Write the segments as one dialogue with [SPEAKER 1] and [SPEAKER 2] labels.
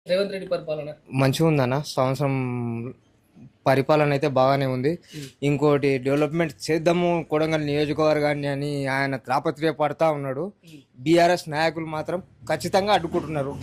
[SPEAKER 1] రేవంత్ రెడ్డి పరిపాలన
[SPEAKER 2] మంచిగా ఉందన్న సంవత్సరం పరిపాలన అయితే బాగానే ఉంది. ఇంకోటి డెవలప్మెంట్ చేద్దాము కొడంగల్ నియోజకవర్గాన్ని అని ఆయన తాపత్రయపడతా ఉన్నాడు. బీఆర్ఎస్ నాయకులు మాత్రం ఖచ్చితంగా అడ్డుకుంటున్నారు.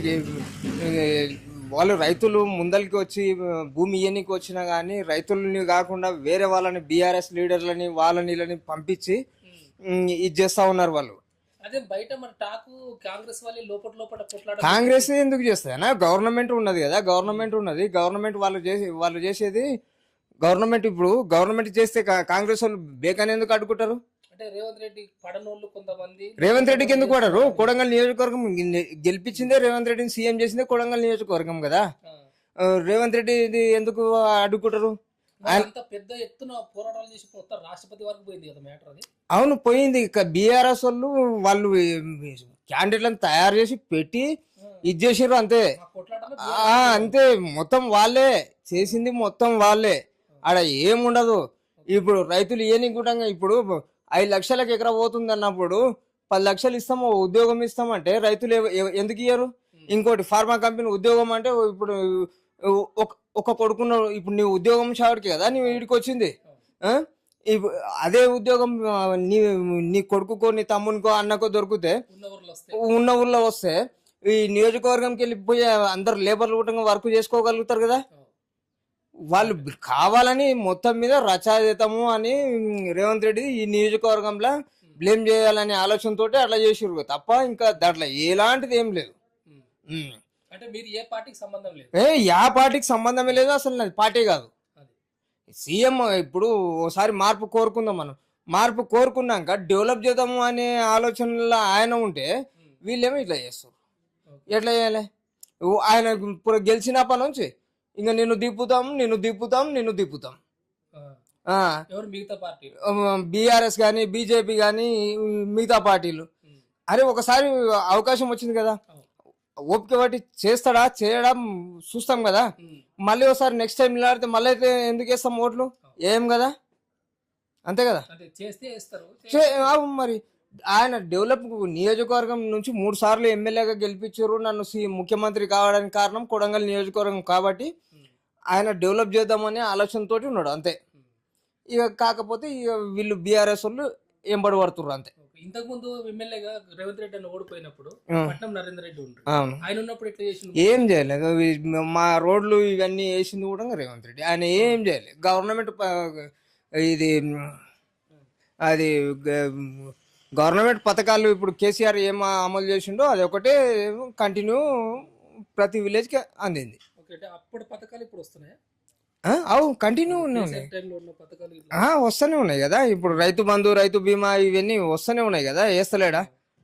[SPEAKER 2] వాళ్ళు రైతులు ముందరికి వచ్చి భూమి ఇయ్యనికి వచ్చినా కానీ రైతులని కాకుండా వేరే వాళ్ళని బీఆర్ఎస్ లీడర్లని వాళ్ళని వీళ్ళని పంపించి ఇది చేస్తా ఉన్నారు వాళ్ళు.
[SPEAKER 1] అదే బయట మన టాకు కాంగ్రెస్ వాళ్ళే లోపల లోపల కొట్లాడ
[SPEAKER 2] కాంగ్రెస్ ఎందుకు చేస్తాయనా? గవర్నమెంట్ ఉన్నది కదా, గవర్నమెంట్ ఉన్నది. గవర్నమెంట్ వాళ్ళు చేసేది గవర్నమెంట్. ఇప్పుడు గవర్నమెంట్ చేస్తే కాంగ్రెస్ వాళ్ళు బేకాని ఎందుకు అడ్డుకుంటారు?
[SPEAKER 1] అంటే రేవంత్ రెడ్డి పడనోళ్ళు కొంతమంది
[SPEAKER 2] రేవంత్ రెడ్డికి ఎందుకు పడరు? కొడంగల్ నియోజకవర్గం గెలిపించిందే రేవంత్ రెడ్డిని సీఎం చేసిందే కొడంగల్ నియోజకవర్గం కదా. రేవంత్ రెడ్డి ఎందుకు అడ్డుకుంటారు?
[SPEAKER 1] అంత పెద్ద ఎత్తున పోరాటాలు చేసి మొత్తం రాష్ట్రపతి వరకు పోయింది కదా మ్యాటర్ అది.
[SPEAKER 2] అవును పోయింది. ఇక బీఆర్ఎస్ వాళ్ళు క్యాండిడేట్లను తయారు చేసి పెట్టి ఇది చేసారు అంతే. అంతే మొత్తం వాళ్ళే చేసింది, మొత్తం వాళ్ళే. ఆడ ఏముండదు. ఇప్పుడు రైతులు ఏని కూడా ఇప్పుడు 5 లక్షలకు ఎకరా పోతుంది అన్నప్పుడు 10 లక్షలు ఇస్తాము ఉద్యోగం ఇస్తామంటే రైతులు ఎందుకు ఇయ్యరు? ఇంకోటి ఫార్మా కంపెనీ ఉద్యోగం అంటే ఇప్పుడు ఒక కొడుకున్న ఇప్పుడు నీ ఉద్యోగం చావడికి కదా నీ వీడికి వచ్చింది. అదే ఉద్యోగం నీ కొడుకుకో నీ తమ్మునికో అన్నకో దొరికితే ఉన్న ఊర్లో వస్తే ఈ నియోజకవర్గంకి వెళ్ళిపోయి అందరు లేబర్లు కూడా వర్క్ చేసుకోగలుగుతారు కదా. వాళ్ళు కావాలని మొత్తం మీద రచయితము అని రేవంత్ రెడ్డి ఈ నియోజకవర్గంలో బ్లేమ్ చేయాలనే ఆలోచనతో అట్లా చేసిరు తప్ప ఇంకా దాంట్లో ఎలాంటిది ఏం లేదు.
[SPEAKER 1] అంటే మీరు ఏ పార్టీకి సంబంధం లేదు?
[SPEAKER 2] యా పార్టీకి సంబంధమే లేదు అసలు. నాది పార్టీ కాదు. సీఎం ఇప్పుడు ఓసారి మార్పు కోరుకుందాం. మనం మార్పు కోరుకున్నాక డెవలప్ చేద్దాము అనే ఆలోచనలో ఆయన ఉంటే వీళ్ళేమో ఇట్లా చేస్తారు. ఎట్లా చేయాలి? ఆయన ఇప్పుడు గెలిచినప్పటి నుంచి ఇంకా నిన్ను దిప్పుతాం బీఆర్ఎస్ కానీ బీజేపీ కానీ మిగతా పార్టీలు. అరే ఒకసారి అవకాశం వచ్చింది కదా, ఓపిక బట్టి చేస్తాడా చేయడం చూస్తాం కదా. మళ్ళీ ఒకసారి నెక్స్ట్ టైం నిలబడితే మళ్ళీ అయితే ఎందుకు వేస్తాం ఓట్లు? ఏం కదా, అంతే కదా. మరి ఆయన డెవలప్ నియోజకవర్గం నుంచి 3 సార్లు ఎమ్మెల్యేగా గెలిపించారు. నన్ను ముఖ్యమంత్రి కావడానికి కారణం కొడంగల్ నియోజకవర్గం కాబట్టి ఆయన డెవలప్ చేద్దామనే ఆలోచనతోటి ఉన్నాడు అంతే. ఇక కాకపోతే ఇక వీళ్ళు బీఆర్ఎస్ వాళ్ళు ఎంబడి పడుతున్నారు అంతే.
[SPEAKER 1] ఇంతకు ముందు ఎమ్మెల్యేగా రేవంత్ రెడ్డి అని ఓడిపోయినప్పుడు పట్నం నరేంద్ర రెడ్డి ఉంటాడు. ఆయన ఉన్నప్పుడు ఎట్లా చేసిండు?
[SPEAKER 2] ఏం చేయలేదు. మా రోడ్లు ఇవన్నీ వేసింది కూడా రేవంత్ రెడ్డి. ఆయన ఏం చేయలేదు. గవర్నమెంట్ ఇది అది గవర్నమెంట్ పథకాలు ఇప్పుడు కేసీఆర్ ఏం అమలు చేసిండో అది ఒకటే కంటిన్యూ ప్రతి విలేజ్ కి అందింది.
[SPEAKER 1] అప్పుడు పథకాలు ఇప్పుడు వస్తున్నాయి.
[SPEAKER 2] అవు కంటిన్యూ వస్తూనే ఉన్నాయి కదా. ఇప్పుడు రైతు బంధు, రైతు బీమా ఇవన్నీ వస్తూనే ఉన్నాయి కదా. వేస్తలేడా?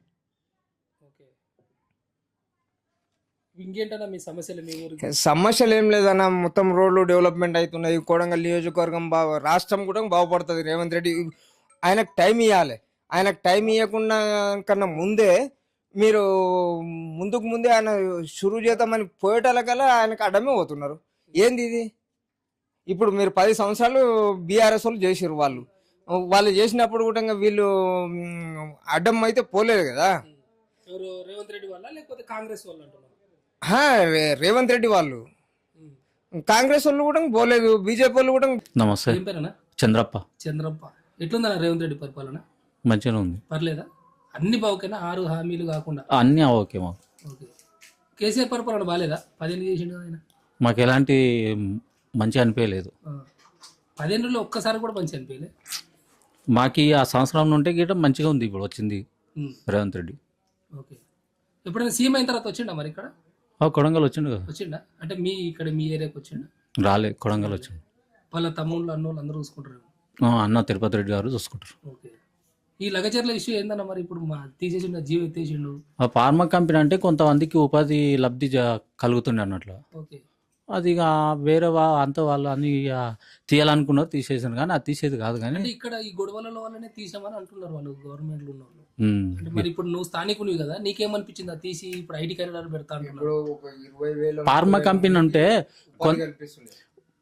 [SPEAKER 1] ఇంకేంటన్నా మీ సమస్యలు? మీ ఊరికి
[SPEAKER 2] సమస్యలు ఏం లేదన్న. మొత్తం రోడ్లు డెవలప్మెంట్ అవుతున్నాయి. కొడంగల్ నియోజకవర్గం రాష్ట్రం కూడా బాగుపడుతుంది. రేవంత్ రెడ్డి ఆయనకు టైం ఇవ్వాలి. ఆయనకు టైం ఇవ్వకుండా కన్నా ముందే మీరు ముందే ఆయన షురూ చేద్దామని పోయేటాలకల్లా ఆయనకు అడ్డమే పోతున్నారు. ఏంది ఇది? ఇప్పుడు మీరు 10 సంవత్సరాలు బీఆర్ఎస్ వాళ్ళు చేసారు. వాళ్ళు చేసినప్పుడు కూడా వీళ్ళు అడ్డం అయితే పోలేదు కదా.
[SPEAKER 1] రేవంత్ రెడ్డి వాళ్ళ లేకపోతే కాంగ్రెస్ వాళ్ళు అంటున్నారు?
[SPEAKER 2] రేవంత్ రెడ్డి వాళ్ళు. కాంగ్రెస్ వాళ్ళు కూడా పోలేదు, బీజేపీ వాళ్ళు కూడా.
[SPEAKER 3] నమస్తే.
[SPEAKER 1] ఏం పేరేనా?
[SPEAKER 3] చంద్రప్ప.
[SPEAKER 1] ఎట్లుందన్న రేవంత్ రెడ్డి పరిపాలన?
[SPEAKER 3] మంచిగా ఉంది.
[SPEAKER 1] పర్లేదా? అన్ని బాగుకేనా? 6 హామీలు కాకుండా
[SPEAKER 3] అన్ని ఓకే.
[SPEAKER 1] కేసీఆర్ పరిపాలన బాగాలేదా? 10 ఏళ్ళు చేసిండు ఆయన.
[SPEAKER 3] మాకు ఎలాంటి మంచి అనిపించలేదు.
[SPEAKER 1] 10 ఏళ్ళలో ఒక్కసారి కూడా మంచి అనిపించలేదు.
[SPEAKER 3] మాకు ఆ సంవత్సరం నుండి గీట మంచిగా ఉంది. ఇప్పుడు వచ్చింది రేవంత్ రెడ్డి.
[SPEAKER 1] ఓకే. ఎప్పుడైనా సీఎం అయిన తర్వాత వచ్చిండా మరి ఇక్కడ?
[SPEAKER 3] కొడంగల్ వచ్చిండు కదా.
[SPEAKER 1] వచ్చిండా అంటే మీ ఏరియాకి వచ్చిండా?
[SPEAKER 3] రాలే, కొడంగల్ వచ్చిండు.
[SPEAKER 1] వాళ్ళ తమ్ముళ్ళు అన్నోళ్ళు అందరూ చూసుకుంటారు.
[SPEAKER 3] అన్న తిరుపతి రెడ్డి గారు చూసుకుంటారు.
[SPEAKER 1] ఓకే. ఈ లగచర్ల ఇష్యూ ఏందన్న మరి? ఇప్పుడు తీసేసిండు, జీవో ఎత్తేసిండు.
[SPEAKER 3] ఆ ఫార్మా కంపెనీ అంటే కొంతమందికి ఉపాధి లబ్ధి కలుగుతుండే అన్నట్లు.
[SPEAKER 1] ఓకే.
[SPEAKER 3] అది వేరే అంత వాళ్ళు అని తీయాలనుకున్నారు, తీసేసాను. కానీ అది తీసేది కాదు. కానీ
[SPEAKER 1] ఇక్కడ ఈ గొడవల వల్లనే తీసామని అంటున్నారు వాళ్ళు, గవర్నమెంట్ లో ఉన్న వాళ్ళు. అంటే మరి ఇప్పుడు నువ్వు స్థానికునివి కదా, నీకేమనిపించింది అది తీసి ఇప్పుడు ఐటీ కార్యాలయాలు పెడతా అంటున్నారు?
[SPEAKER 3] ఫార్మా కంపెనీ అంటే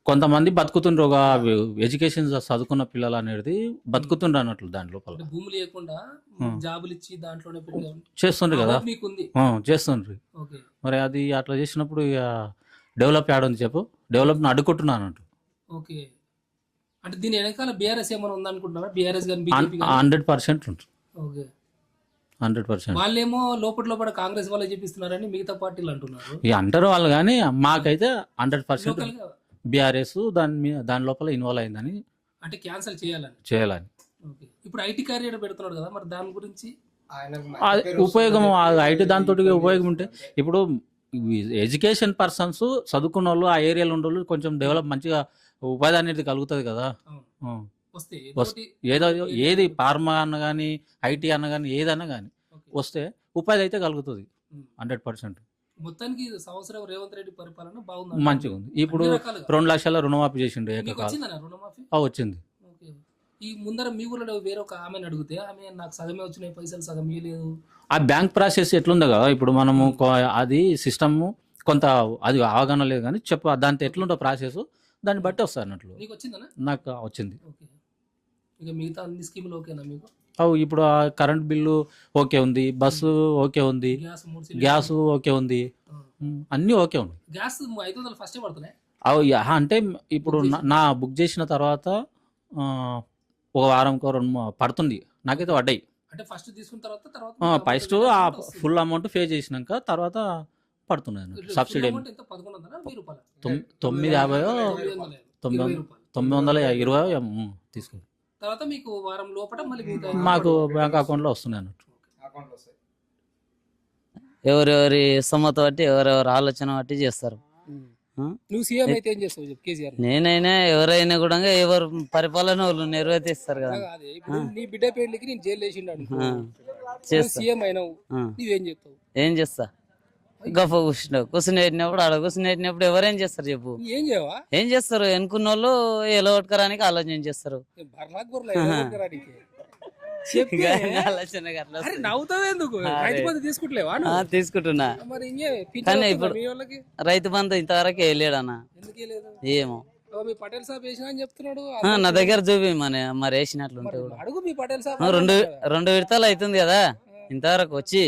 [SPEAKER 3] కొంతమంది బతుకుతుండ్రు, ఒక ఎడ్యుకేషన్ చదువుకున్న పిల్లలు అనేది బతుకుతుండ్రు అన్నట్లు దాని లోపల
[SPEAKER 1] అంటే భూమి లేకుండా జాబులు ఇచ్చి దాంట్లోనే
[SPEAKER 3] చేస్తుండ్రు కదా,
[SPEAKER 1] మీకుంది.
[SPEAKER 3] చేస్తుండ్రు.
[SPEAKER 1] ఓకే
[SPEAKER 3] మరి అది అట్లా చేసినప్పుడు ఇక డెవలప్ యాడుంది చెప్పు, డెవలప్ని అడ్డుకుంటున్నా అన్నట్టు.
[SPEAKER 1] ఓకే అంటే దీని వెనకాల బీఆర్ఎస్ ఏమైనా ఉందనుకుంటున్నారా? బీఆర్ఎస్ కానీ బీజేపీ
[SPEAKER 3] 100% ఉంటుంది,
[SPEAKER 1] ఓకే
[SPEAKER 3] 100%.
[SPEAKER 1] వాళ్ళేమో లోపల కాంగ్రెస్ వాళ్ళే చెప్పిస్తున్నారని మిగతా పార్టీలు అంటున్నారు.
[SPEAKER 3] ఇక అంటారు వాళ్ళు, కానీ మాకైతే 100%
[SPEAKER 1] లోకల్ గా
[SPEAKER 3] బీఆర్ఎస్ దాని లోపల ఇన్వాల్వ్ అయిందని
[SPEAKER 1] అంటే క్యాన్సిల్ చేయాలని.
[SPEAKER 3] చేయాలని.
[SPEAKER 1] ఓకే ఇప్పుడు ఐటీ క్యారియర్ పెడుతున్నాడు కదా, మరి దాని గురించి
[SPEAKER 3] అది ఉపయోగం, ఐటీ దాంతో ఉపయోగం ఉంటే ఇప్పుడు ఎడ్యుకేషన్ పర్సన్స్ చదువుకున్న వాళ్ళు ఆ ఏరియాలో ఉండే వాళ్ళు కొంచెం డెవలప్ మంచిగా ఉపాధి అనేది కలుగుతుంది కదా.
[SPEAKER 1] వస్తే
[SPEAKER 3] ఏదో ఏది ఫార్మా అన్న కానీ ఐటీ అన్న కానీ ఏదన్నా కానీ వస్తే ఉపాధి అయితే కలుగుతుంది 100%.
[SPEAKER 1] మొత్తానికి సంవత్సరం రేవంత్ రెడ్డి పరిపాలన బాగుంది,
[SPEAKER 3] మంచిగా ఉంది. ఇప్పుడు 2 లక్షల రుణమాఫీ చేసిండు ఏకకాలం.
[SPEAKER 1] వచ్చిందన్న రుణమాఫీ?
[SPEAKER 3] వచ్చింది.
[SPEAKER 1] ఓకే ఈ ముందర మీ ఊళ్ళో వేరే ఒక ఆమెను అడిగితే ఆమె నాకు సగమే వచ్చినాయి పైసలు, సగం ఇవ్వలేదు.
[SPEAKER 3] ఆ బ్యాంక్ ప్రాసెస్ ఎట్లుందో కదా ఇప్పుడు మనము అది సిస్టమ్ కొంత అది అవగాహన లేదు కానీ దాంతో ఎట్లుంటో ప్రాసెస్ దాన్ని బట్టి వస్తుంది అన్నట్లు.
[SPEAKER 1] నీకు వచ్చిందనా?
[SPEAKER 3] నాకు వచ్చింది.
[SPEAKER 1] ఓకే ఇక మిగతా అన్ని స్కీములు ఓకేనా మీకు?
[SPEAKER 3] ఇప్పుడు ఆ కరెంట్ బిల్లు ఓకే ఉంది, బస్సు ఓకే ఉంది, గ్యాస్ ఓకే ఉంది, అన్నీ ఓకే ఉంది.
[SPEAKER 1] గ్యాస్ 500 ఫస్టే పడుతున్నాయి.
[SPEAKER 3] అంటే ఇప్పుడు నా బుక్ చేసిన తర్వాత ఒక వారంకో 2 పడుతుంది, నాకైతే పడ్డాయి.
[SPEAKER 1] అంటే ఫస్ట్ తీసుకున్న తర్వాత
[SPEAKER 3] ఫస్ట్ ఆ ఫుల్ అమౌంట్ పే చేసినాక తర్వాత పడుతున్నాయి సబ్సిడీ. 950 తీసుకుంది.
[SPEAKER 1] తర్వాత మీకు వారం లోపల మళ్ళీ
[SPEAKER 3] మాకు బ్యాంక్ అకౌంట్లో వస్తున్నాయి అన్నట్టు.
[SPEAKER 4] ఎవరెవరి సమ్మత బట్టి ఎవరెవరి ఆలోచన బట్టి చేస్తారు.
[SPEAKER 1] నువ్వు సీఎం అయితే ఏం చేస్తావు చెప్పు? కేసీఆర్
[SPEAKER 4] నేనైనా ఎవరైనా కూడా ఎవరు పరిపాలన వాళ్ళు నిర్వర్తిస్తారు కదా.
[SPEAKER 1] ఇప్పుడు నీ బిడ్డ పెళ్లికి నేను జైలు వేసిండు
[SPEAKER 4] చేస్తా.
[SPEAKER 1] సీఎం అయినావు, నువ్వేం చెప్తావు?
[SPEAKER 4] ఏం చేస్తా, గొప్ప కూర్చుని పెట్టినప్పుడు ఆడ కూర్చుని పెట్టినప్పుడు ఎవరేం చేస్తారు చెప్పు?
[SPEAKER 1] ఏం చేయవా?
[SPEAKER 4] ఏం చేస్తారు? ఎన్నుకున్న వాళ్ళు ఎలగొట్టుకోవడానికి ఆలోచన చేస్తారు. తీసుకుంటున్నా కానీ ఇప్పుడు రైతు బంధు ఇంతవరకు వేయలేడన్నా. ఏమో నా దగ్గర చూపి మరి వేసినట్లుంటే కూడా 2 విడతలు అవుతుంది కదా ఇంతవరకు వచ్చి.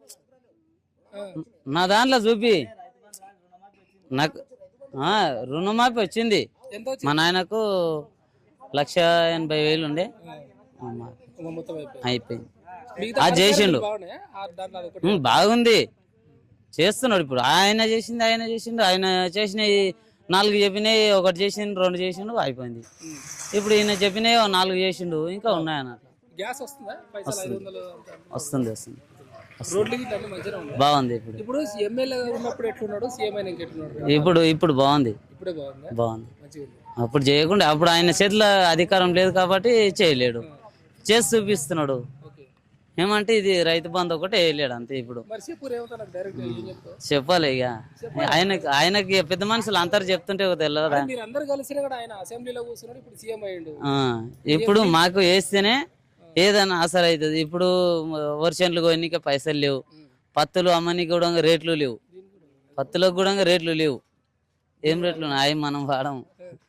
[SPEAKER 4] నా దాంట్లో చూపి నాకు రుణమాఫీ వచ్చింది. మా నాయనకు 1,80,000 ఉండే అయిపోయింది. అది చేసిండు, బాగుంది, చేస్తున్నాడు. ఇప్పుడు ఆయన చేసిండు ఆయన చేసినవి 4 చెప్పినాయి, 1 చేసిండు, 2 చేసిండు, అయిపోయింది. ఇప్పుడు ఈయన చెప్పినవి 4 చేసిండు, ఇంకా ఉన్నాయి అన్నట్టు. వస్తుంది బాగుంది. ఇప్పుడు బాగుంది. అప్పుడు చేయకుండా అప్పుడు ఆయన చేతిలో అధికారం లేదు కాబట్టి చేయలేడు, చేసి చూపిస్తున్నాడు. ఏమంటే ఇది రైతు బంధు ఒకటి వేయలేడు అంతే. ఇప్పుడు చెప్పాలి ఇక ఆయనకి పెద్ద మనుషులు అందరు చెప్తుంటే తెలియదా? ఇప్పుడు మాకు వేస్తేనే ఏదైనా ఆసర అవుతుంది. ఇప్పుడు వర్షన్లు కొనికే పైసలు లేవు, పత్తులు అమ్మనికి కూడా రేట్లు లేవు, పత్తులకు కూడా రేట్లు లేవు. ఏం రేట్లు అవి మనం వాడము,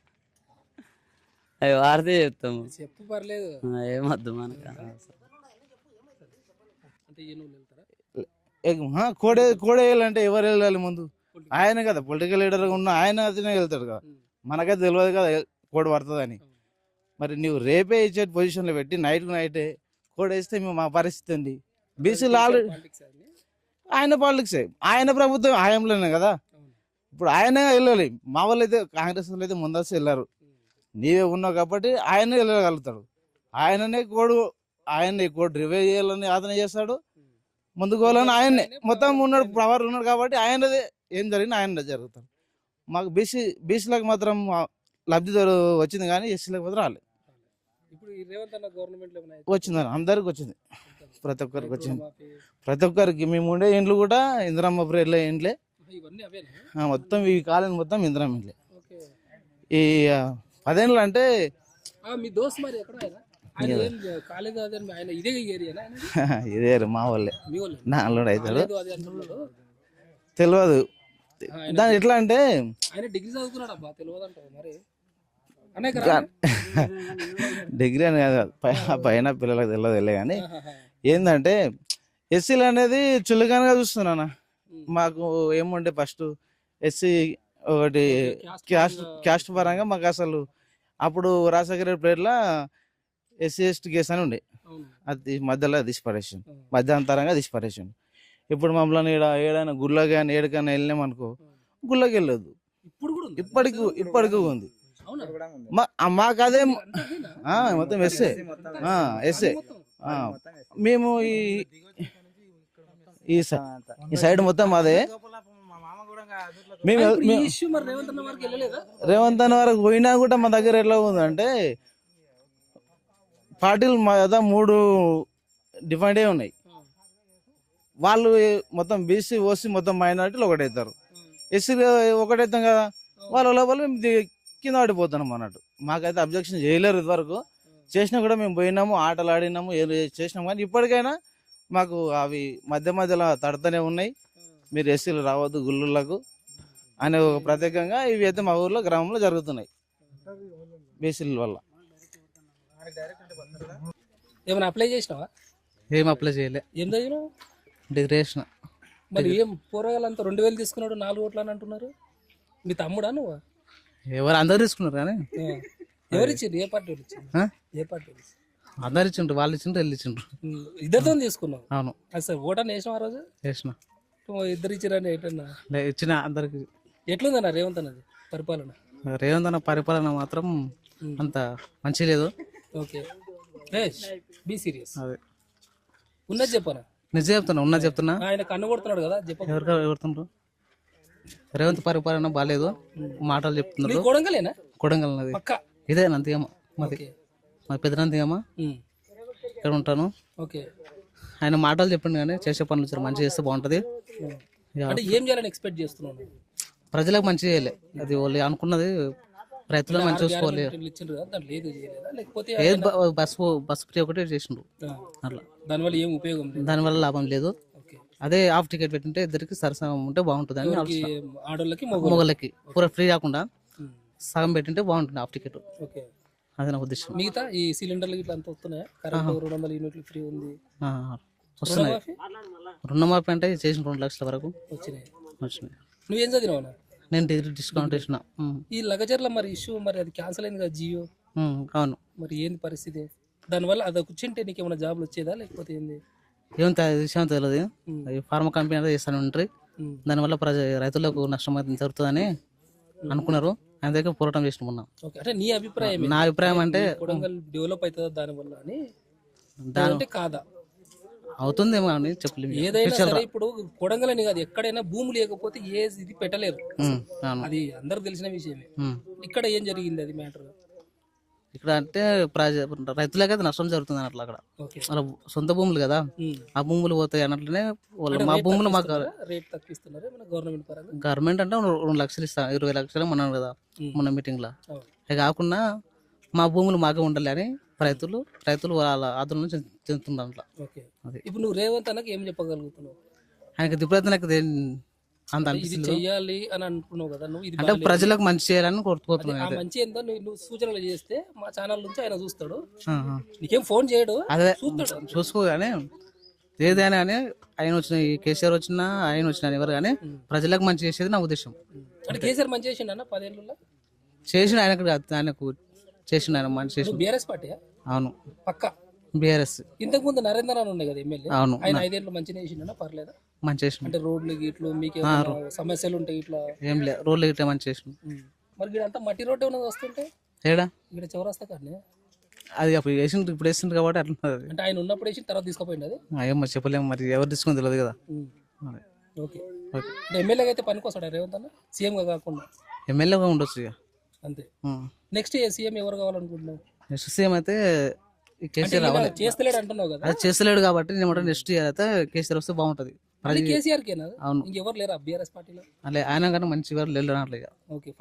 [SPEAKER 4] అవి వాడితే చెప్తాము. ఏమద్దు మనకు.
[SPEAKER 5] కోడేయాలంటే ఎవరు వెళ్ళాలి ముందు? ఆయన కదా పొలిటికల్ లీడర్ ఉన్న ఆయన అతనే వెళ్తాడు కదా. మనకైతే తెలియదు కదా కోడి పడుతుందని. మరి నువ్వు రేపే ఇచ్చే పొజిషన్లో పెట్టి నైటే కోడ్ వేస్తే మా పరిస్థితి ఉంది. బీసీలు ఆల్రెడీ ఆయన పాలిటిక్సే, ఆయన ప్రభుత్వం హయాంలోనే కదా. ఇప్పుడు ఆయనే వెళ్ళాలి. మా వాళ్ళు అయితే కాంగ్రెస్ వాళ్ళు అయితే ముందస్తు వెళ్ళారు. నీవే ఉన్నావు కాబట్టి ఆయనే వెళ్ళగలుగుతాడు. ఆయననే కోడ్ రివైవ్ చేయాలని అతనే చేస్తాడు, ముందుకు పోవాలని ఆయనే మొత్తం ఉన్నాడు, పవర్ ఉన్నాడు కాబట్టి ఆయనదే ఏం జరిగినా ఆయన జరుగుతాడు. మాకు బీసీలకు మాత్రం లబ్ధి వచ్చింది కానీ ఎస్సీలకు మాత్రం రాలేదు. వచ్చిందని అందరికి వచ్చింది, ప్రతి ఒక్కరికి వచ్చింది. ప్రతి ఒక్కరికి మేము ఉండే ఇండ్లు కూడా ఇందిరమ్మ ప్రేర్లే ఇండ్లే, మొత్తం ఈ కాలనీ మొత్తం ఇందిరమ్మ ఇండ్లే. ఈ 10 ఏళ్ళు అంటే ఇదే మా వాళ్ళే. నా అల్లుడు అవుతాడు తెలియదు. దాని ఎట్లా అంటే
[SPEAKER 1] ఆయన డిగ్రీ చదువుకున్నాడు అబ్బా, తెలియదంటావు మరి అనే
[SPEAKER 5] డిగ్రీ అని కాదు, పైన పిల్లలకు తెలియదు కానీ ఏంటంటే ఎస్సీలు అనేది చులకనగా చూస్తున్నానా. మాకు ఏముండే ఫస్ట్ ఎస్సీ ఒకటి క్యాస్ట్ పరంగా మాకు అసలు అప్పుడు రాజశేఖర ప్లేట్ల ఎస్సీ ఎస్టీ కేసు అని ఉండే, అది మధ్యలో తీసి పడేసాను, మధ్యాంతరంగా తీసి పడేసాను. ఇప్పుడు మమ్మల్ని ఏడైనా గుళ్ళో కానీ ఏడికైనా వెళ్ళినాం అనుకో, గుళ్ళకి వెళ్ళొద్దు. ఇప్పటికి ఉంది. మాకు అదే మొత్తం ఎస్ఏ ఎస్ఏ. మేము ఈ సైడ్ మొత్తం అదే. మేము రేవంత్ అన్న వరకు పోయినా కూడా మా దగ్గర ఎట్లా ఉందంటే పార్టీలు మా దగ్గర 3 డిఫరెంట్ ఉన్నాయి. వాళ్ళు మొత్తం బీసీ ఓసీ మొత్తం మైనారిటీలు ఒకటవుతారు, ఎస్సీ ఒకటవుతాం కదా, వాళ్ళ లోపల మేము కింద పడిపోతున్నాం అన్నట్టు. మాకైతే అబ్జెక్షన్ చేయలేరు ఇదివరకు, చేసినా కూడా మేము పోయినాము, ఆటలు ఆడినాము, ఏం చేసినాము. కానీ ఇప్పటికైనా మాకు అవి మధ్యలో తడతనే ఉన్నాయి. మీరు ఎస్సీలు రావద్దు గుళ్ళకు అనే ఒక ప్రత్యేకంగా ఇవి అయితే మా ఊర్లో గ్రామంలో జరుగుతున్నాయి బీసీల వల్ల.
[SPEAKER 1] ఏమైనా అప్లై చేసినావా?
[SPEAKER 3] ఏం అప్లై చేయలే.
[SPEAKER 1] ఏం చదివినావు?
[SPEAKER 3] డిగ్రీ చేసిన.
[SPEAKER 1] మరి ఏం పోరగాలంతా 2000 తీసుకున్నాడు, 4 ఓట్లు అని అంటున్నారు. మీ తమ్ముడా నువ్వు?
[SPEAKER 3] ఎవరు అందరు తీసుకున్నారు కానీ
[SPEAKER 1] ఎవరు ఇచ్చిండ్రు? ఏ పార్టీ వాళ్ళు ఇచ్చిండ్రు? ఏ పార్టీ వాళ్ళు ఇచ్చిండ్రు?
[SPEAKER 3] అందరు ఇచ్చిండ్రు, వాళ్ళు ఇచ్చిండ్రు, వెళ్ళి ఇచ్చిండ్రు.
[SPEAKER 1] ఇద్దరితో తీసుకున్నావు?
[SPEAKER 3] అవును.
[SPEAKER 1] అసలు ఓటని వేసినావు ఆ రోజు?
[SPEAKER 3] వేసిన.
[SPEAKER 1] ఇద్దరు ఇచ్చిరని ఏంటన్నా
[SPEAKER 3] ఇచ్చిన అందరికి.
[SPEAKER 1] ఎట్లుందన్నా రేవంత్ అన్నది పరిపాలన?
[SPEAKER 3] రేవంత్ అన్న పరిపాలన మాత్రం అంత మంచి లేదు.
[SPEAKER 1] Okay, be serious.
[SPEAKER 3] అదే
[SPEAKER 1] ఉన్నది చెప్పనా?
[SPEAKER 3] నిజం చెప్తున్నా, ఉన్నది చెప్తున్నా.
[SPEAKER 1] ఆయన కన్ను కొడుతున్నాడు కదా, చెప్ప.
[SPEAKER 3] ఎవరుతుండ్రు? రేవంత్ పరిపాలన బాగాలేదు, మాటలు చెప్తున్నారు.
[SPEAKER 1] కొడంగలేనా?
[SPEAKER 3] కొడంగల్ నది ఇదే నందిగమ్మ, మాది పెద్ద నందిగమ్మ. ఇక్కడ ఉంటాను.
[SPEAKER 1] ఓకే,
[SPEAKER 3] ఆయన మాటలు చెప్పిండు కానీ చేసే పనులు వచ్చారు, మంచిగా చేస్తే బాగుంటది.
[SPEAKER 1] అంటే ఏం చేయాలని ఎక్స్పెక్ట్ చేస్తున్నాను?
[SPEAKER 3] ప్రజలకు మంచి చేయాలి, అది వాళ్ళు అనుకున్నది. రైతులకు మంచి చూసుకోవాలి. బస్ ఫ్రీ ఒకటే చేసిండ్రు, అట్లా
[SPEAKER 1] దానివల్ల ఏం ఉపయోగం?
[SPEAKER 3] దానివల్ల లాభం లేదు. అదే హాఫ్ టికెట్ పెట్టింటే ఇద్దరికి సరసనం ఉంటే బాగుంటుంది అని
[SPEAKER 1] ఆడోళ్ళకి
[SPEAKER 3] మొగలకి పూర ఫ్రీ కాకుండా సగం పెట్టింటే బాగుంటుంది హాఫ్ టికెట్. అదే నా ఉద్దేశం.
[SPEAKER 1] మిగతా ఈ సిలిండర్లు ఇట్లా అంతా వస్తున్నాయా? కరెంట్ 200 యూనిట్లు ఫ్రీ ఉంది,
[SPEAKER 3] వస్తున్నాయి. రుణమాఫీ అంటే చేసిన 2 లక్షల వరకు
[SPEAKER 1] వచ్చినాయి.
[SPEAKER 3] వచ్చినాయి.
[SPEAKER 1] నువ్వేం చదివినావు?
[SPEAKER 3] నేను డిగ్రీ డిస్కౌంట్ వేసిన.
[SPEAKER 1] ఈ లగచర్ల మరి ఇష్యూ మరి అది క్యాన్సిల్ అయింది కదా జియో?
[SPEAKER 3] అవును.
[SPEAKER 1] మరి ఏంది పరిస్థితి? దానివల్ల అది కూర్చుంటే నీకు ఏమైనా జాబ్లు వచ్చేదా లేకపోతే ఏంది?
[SPEAKER 3] ఏం విషయం తెలియదు. ఫార్మా కంపెనీ అయితే చేస్తాను ఉంటాయి, దానివల్ల రైతులకు నష్టం అయితే జరుగుతుందని అనుకున్నారు. ఆయన దగ్గర పోరాటం చేసిన మొన్న.
[SPEAKER 1] అంటే నీ అభిప్రాయం?
[SPEAKER 3] నా అభిప్రాయం అంటే
[SPEAKER 1] కొడంగల్ డెవలప్ అవుతుందా దానివల్ల అని? దాని కాదా?
[SPEAKER 3] అవుతుందేమో అని చెప్పలేదు.
[SPEAKER 1] ఏదైనా సరే ఇప్పుడు కొడంగల్ అని కాదు, ఎక్కడైనా భూమి లేకపోతే ఏ ఇది పెట్టలేరు, అది అందరికి తెలిసిన విషయమే. ఇక్కడ ఏం జరిగింది అది మ్యాటర్?
[SPEAKER 3] ఇక్కడ అంటే రైతులకైతే నష్టం జరుగుతుంది అన్నట్లు. అక్కడ వాళ్ళ సొంత భూములు కదా, ఆ భూములు పోతాయి అన్నట్లనే మా భూములు మాకు
[SPEAKER 1] రేట్ తగ్గిస్తున్నారు గవర్నమెంట్ పరంగా.
[SPEAKER 3] గవర్నమెంట్ అంటే 2 లక్షలు ఇస్తాను, 20 లక్షలు అన్నాను కదా మొన్న మీటింగ్ లో. అది కాకుండా మా భూములు మాకే ఉండాలి అని రైతులు వాళ్ళ ఆందోళన చెందుతున్నారు అట్లా.
[SPEAKER 1] ఇప్పుడు నువ్వు రేవంత్ అన్నకి ఏం చెప్పగలుగుతున్నావు?
[SPEAKER 3] ఆయనకి దిప్పుడైతే అంత
[SPEAKER 1] చెయ్యాలి అని అనుకున్నావు కదా నువ్వు,
[SPEAKER 3] అంటే ప్రజలకు మంచి చేయాలని కోరుకుంటున్నాను.
[SPEAKER 1] మంచి ఏందో నువ్వు సూచనలు చేస్తే మా ఛానల్ నుంచి ఆయన చూస్తాడు, నీకేం ఫోన్ చేయడు,
[SPEAKER 3] అదే చూసుకోగానే ఏదైనా కానీ ఆయన వచ్చిన కేసీఆర్ వచ్చినా ఆయన వచ్చిన ఎవరు కానీ ప్రజలకు మంచి చేసేది నా ఉద్దేశం.
[SPEAKER 1] అంటే కేసీఆర్ మంచి చేసిండు అన్న 10 ఏళ్ళలో
[SPEAKER 3] చేసిన ఆయనకు చేసిన ఆయన మంచి చేసిన.
[SPEAKER 1] BRS party? అవును, పక్క
[SPEAKER 3] బీఆర్ఎస్.
[SPEAKER 1] ఇంతకు ముందు నరేంద్ర అని ఉండే కదా ఎమ్మెల్యే,
[SPEAKER 3] అవును.
[SPEAKER 1] ఆయన 5 ఏళ్ళు మంచిగా చేసిండా? పర్లేదా?
[SPEAKER 3] మంచి చేసిన.
[SPEAKER 1] అంటే రోడ్లు గిట్లు మీకు సమస్యలు ఉంటాయి ఇట్లా?
[SPEAKER 3] ఏం లేదు, రోడ్లు గిట్లా మంచి చేసిన.
[SPEAKER 1] మరి ఇక్కడ అంతా మట్టి రోడ్డు ఏమైనా వస్తుంటే
[SPEAKER 3] ఏడా
[SPEAKER 1] ఇక్కడ చౌరస్తా కానీ
[SPEAKER 3] అది అప్పుడు వేసిండ్రు, ఇప్పుడు వేసిండ్రు కాబట్టి అట్లా.
[SPEAKER 1] అంటే ఆయన ఉన్నప్పుడు వేసి తర్వాత తీసుకుపోయింది అది?
[SPEAKER 3] ఏమో చెప్పలేము, మరి ఎవరు తీసుకుని తెలియదు కదా.
[SPEAKER 1] ఓకే, అంటే ఎమ్మెల్యేగా అయితే పనికొస్తాడా రేవంత్ అన్న? సీఎంగా కాకుండా
[SPEAKER 3] ఎమ్మెల్యేగా ఉండొచ్చు ఇక
[SPEAKER 1] అంతే. నెక్స్ట్ సీఎం ఎవరు కావాలనుకుంటున్నావు?
[SPEAKER 3] నెక్స్ట్ సీఎం అయితే కేసీఆర్ రావాలి.
[SPEAKER 1] చేస్తలేడు అంటున్నావు కదా,
[SPEAKER 3] అది చేస్తలేడు కాబట్టి నేను నెక్స్ట్ ఇయర్ అయితే కేసీఆర్ వస్తే బాగుంటది.
[SPEAKER 1] కేసీఆర్ కేనా?
[SPEAKER 3] అవును.
[SPEAKER 1] ఇంకెవరు లేరా బీఆర్ఎస్ పార్టీలో?
[SPEAKER 3] అలా ఆయన కన్నా మంచి ఎవరు లేరు అట్లా.
[SPEAKER 1] ఓకే.